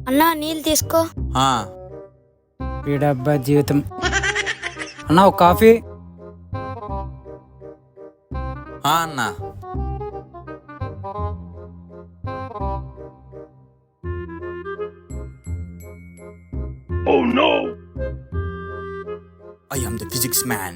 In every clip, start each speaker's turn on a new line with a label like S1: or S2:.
S1: అన్నా నీళ్ళు తీసుకో.
S2: వీడబ్బా జీవితం. అన్నా ఒక కాఫీ.
S3: అన్నా
S4: Oh no!
S3: I am the physics man.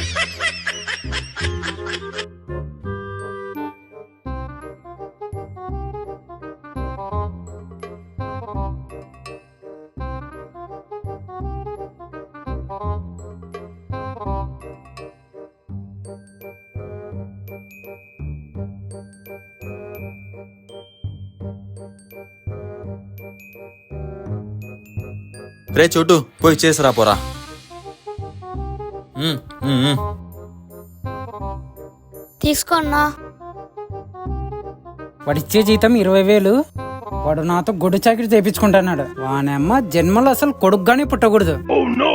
S3: రే చోటు పోయి చేసిరా పోరా.
S1: తీసుకో అన్నా.
S2: వాడిచ్చే జీతం 20,000. వాడు నాతో గొడ్డు చాకిరి చేయించుకుంటున్నాడు. వానమ్మ జన్మలో అసలు కొడుకుగానే పుట్టకూడదు.
S4: Oh no!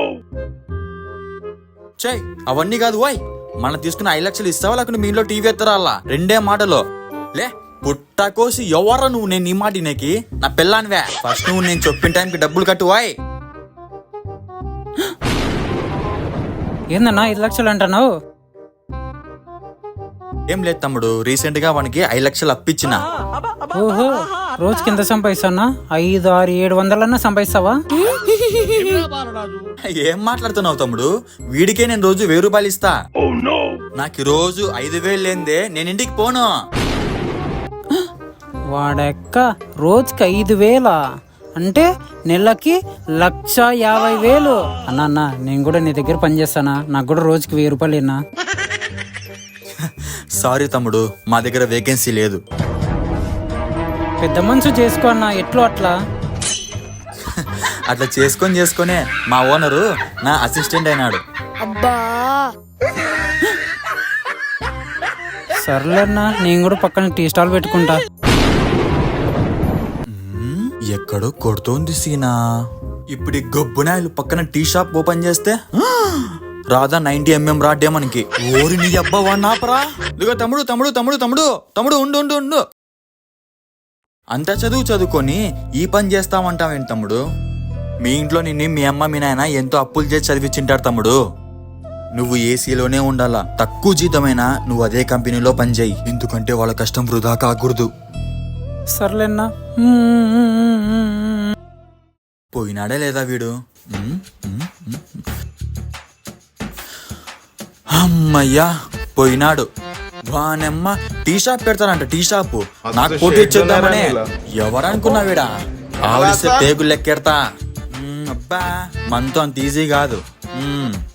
S3: చెయ్ అవన్నీ కాదు వాయ్, మనం తీసుకున్న 5 లక్షలు ఇస్తావా లేకుండా మీ ఇంట్లో టీవీ ఎత్తరా అలా? రెండే మాటలు లే. పుట్టకోసి ఎవరా నువ్వు? నేను నీ మాట నీకి నా పిల్లానివే. ఫస్ట్ నువ్వు నేను చెప్పిన టైంకి డబ్బులు కట్టు వాయ్.
S2: ఏందన్నా 5 లక్షలు అంటున్నావు?
S3: ఏం లేదు తమ్ముడు, రీసెంట్ గా వానికి 5 లక్షలు అప్పిచ్చిన.
S2: ఓహో, రోజు కింద సంపాదిస్తానా? 5, 6, 700 సంపాదిస్తావా?
S3: ఏం మాట్లాడుతున్నావు తమ్ముడు? వీడికే నేను రోజు 1000 రూపాయలు ఇస్తా.
S4: Oh no!
S3: నాకు రోజు 5,000 లేదే నేను ఇంటికి పోను.
S2: వాడెక్క రోజుకి 5,000 అంటే నెలకి 1,50,000. అన్నా నేను కూడా నీ దగ్గర పని చేస్తానా? నాకు కూడా రోజుకి 1000 రూపాయలు ఇన్నా.
S3: సారీ తమ్ముడు, మా దగ్గర వేకెన్సీ లేదు.
S2: పెద్ద మనసు చేసుకో అన్నా, ఎట్లో అట్లా.
S3: అట్లా చేసుకొనే మా ఓనరు నా అసిస్టెంట్ అయినాడు.
S1: అబ్బా
S2: సర్లేన్నా, నేను కూడా పక్కన టీ స్టాల్ పెట్టుకుంటా.
S3: ఎక్కడో కొడుతోంది సీనా. ఇప్పుడు ఈ గొబ్బునాయలు పక్కన టీ షాప్ ఓపెన్ చేస్తే రాధా 90mm రాడ్డే మనకి. ఓరి నీ అబ్బా వాడినాపరా. ఇదిగో తమ్ముడు తమ్ముడు తమ్ముడు తమ్ముడు తమ్ముడు ఉండు ఉండు ఉండు. అంత చదువుకొని ఈ పని చేస్తామంటావేంటి తమ్ముడు? మీ ఇంట్లో నిన్ను మీ అమ్మ మీ నాయన ఎంతో అప్పులు చేసి చదివించింటారు తమ్ముడు. నువ్వు ఏసీలోనే ఉండాలా, తక్కువ జీతమైనా నువ్వు అదే కంపెనీలో పనిచేయి. ఎందుకంటే వాళ్ళ కష్టం వృధా కాకూడదు.
S2: సర్లేన్నా.
S3: పోయినాడే లేదా వీడు? అమ్మయ్యా పోయినాడు. వానమ్మ టీ షాప్ పెడతానంట. టీ షాపు నాకు పోటీ ఇచ్చేద్దామనే. ఎవరనుకున్నా వీడా? ఆవిడిస్తే పేగులు లెక్కెడతా. అబ్బా మనతో అంత ఈజీ కాదు.